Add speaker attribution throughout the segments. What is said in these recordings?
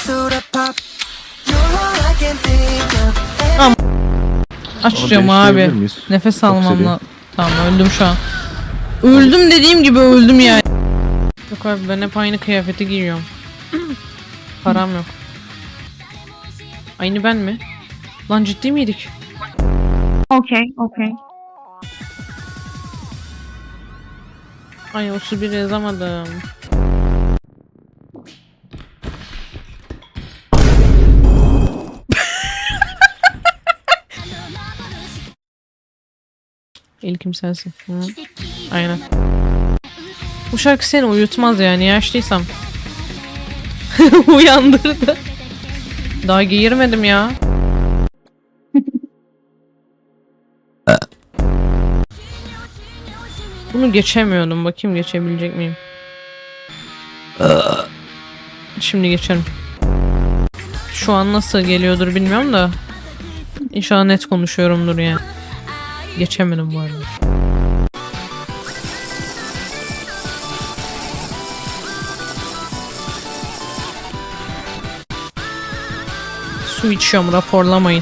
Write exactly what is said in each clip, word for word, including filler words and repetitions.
Speaker 1: Tamam. Açacağım abi. Nefes almam lazım. Tamam öldüm şu an. Öldüm dediğim gibi öldüm yani. Yok abi ben hep aynı kıyafeti giyiyorum. Param yok. Aynı ben mi? Lan ciddi miydik?
Speaker 2: Okay, okay.
Speaker 1: Ay o su bir yazamadım. İlkim sensin. Hı. Aynen. Bu şarkı seni uyutmaz yani yaşlıysam. Uyandırdı. Daha giyirmedim ya. Bunu geçemiyordum. Bakayım geçebilecek miyim? Şimdi geçerim. Şu an nasıl geliyordur bilmiyorum da. İnşallah net konuşuyorumdur yani. Geçemedim bu arada. Su içiyorum, raporlamayın.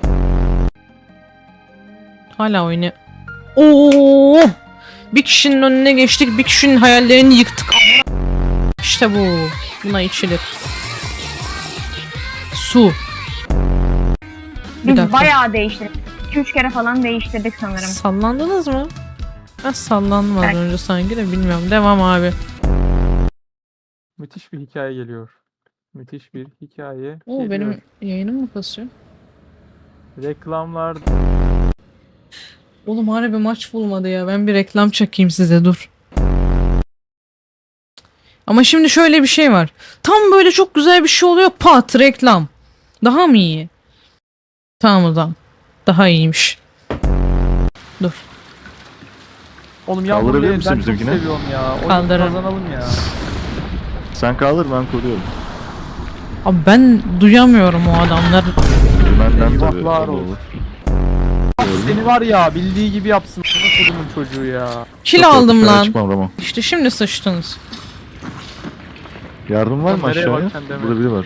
Speaker 1: Hala oyunu. Oo! Bir kişinin önüne geçtik, bir kişinin hayallerini yıktık. İşte bu. Buna içilir. Su. Bir
Speaker 2: Biz
Speaker 1: dakika.
Speaker 2: bayağı değiştirdik. iki üç kere falan değiştirdik sanırım.
Speaker 1: Sallandınız mı? Ben sallandım az
Speaker 2: Evet.
Speaker 1: önce sanki de bilmiyorum. Devam abi.
Speaker 3: Müthiş bir hikaye geliyor. Müthiş bir hikaye
Speaker 1: Oo
Speaker 3: geliyor.
Speaker 1: benim yayınım mı kasıyor?
Speaker 3: Reklamlar
Speaker 1: Oğlum harbi maç bulmadı ya. Ben bir reklam çekeyim size dur. Ama şimdi şöyle bir şey var. Tam böyle çok güzel bir şey oluyor. Pat reklam. Daha mı iyi? Tamam o zaman. Daha iyiymiş. Dur.
Speaker 3: Oğlum ya
Speaker 4: Kaldırabilir
Speaker 3: burayı
Speaker 4: misin
Speaker 3: ben çok
Speaker 4: bizimkine?
Speaker 3: seviyorum ya. Oyunu
Speaker 1: Kaldırırım.
Speaker 3: kazanalım ya.
Speaker 4: Sen kaldır ben koruyorum.
Speaker 1: Abi ben duyamıyorum o adamları.
Speaker 4: Benden tabii.
Speaker 3: Eyvahlar
Speaker 4: olur.
Speaker 3: olsun. Bak seni var ya bildiği gibi yapsın. Bana kodumun çocuğu ya.
Speaker 1: Kil
Speaker 4: Çok
Speaker 1: aldım
Speaker 4: korktum,
Speaker 1: lan.
Speaker 4: Çıkmam Ramo.
Speaker 1: İşte şimdi sıçtınız.
Speaker 4: Yardım var mı
Speaker 3: Nereye
Speaker 4: aşağıya?
Speaker 3: bakacaksın deme.
Speaker 4: Burada biri var.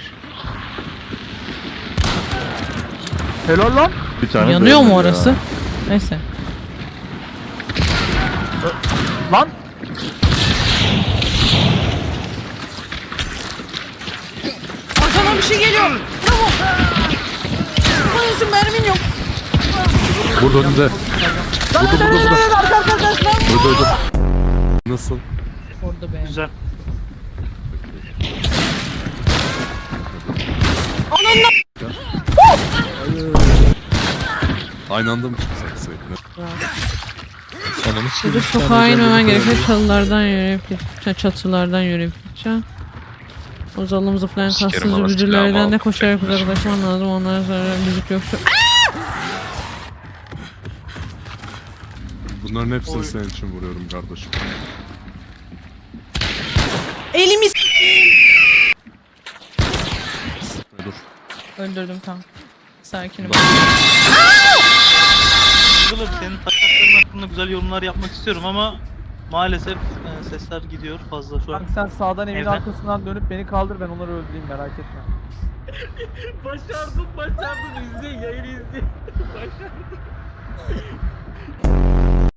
Speaker 3: Helal lan.
Speaker 4: Bir tane
Speaker 1: Yanıyor mu
Speaker 4: dayanıyor ya.
Speaker 1: orası? Neyse.
Speaker 3: Lan.
Speaker 1: Arkadan bir şey geliyor. Bravo. Bayılsın mermin yok.
Speaker 4: Burada önünde. Burada burada burada. Burada burada.
Speaker 5: Nasıl?
Speaker 1: Orada be.
Speaker 6: Güzel.
Speaker 5: Aynı anda mı çıksak sayın? Ananı
Speaker 1: Burada sokağa inmemen gerekiyor. Çalılardan yürüyüp gideceğim. Çatılardan yürüyüp gideceğim. Uzalım zıplayan
Speaker 5: Sikerim
Speaker 1: kassız
Speaker 5: orası
Speaker 1: ücülerden
Speaker 5: silahımı
Speaker 1: de
Speaker 5: alıp
Speaker 1: koşarak
Speaker 5: çekmiş.
Speaker 1: uzaklaşman lazım. Onlara zarar müzik yoksa.
Speaker 5: Bunların hepsini
Speaker 6: Oy.
Speaker 5: senin için vuruyorum kardeşim.
Speaker 1: Elimi
Speaker 5: Dur.
Speaker 1: öldürdüm tam. Sakinim.
Speaker 6: Kılıp senin taktiklerin hakkında güzel yorumlar yapmak istiyorum ama maalesef e, sesler gidiyor fazla şu an.
Speaker 3: Kanka sen sağdan evin
Speaker 6: Evet.
Speaker 3: arkasından dönüp beni kaldır ben onları öldüreyim merak etme.
Speaker 6: Başardım başardım izleyin yayını izleyin. Başardım.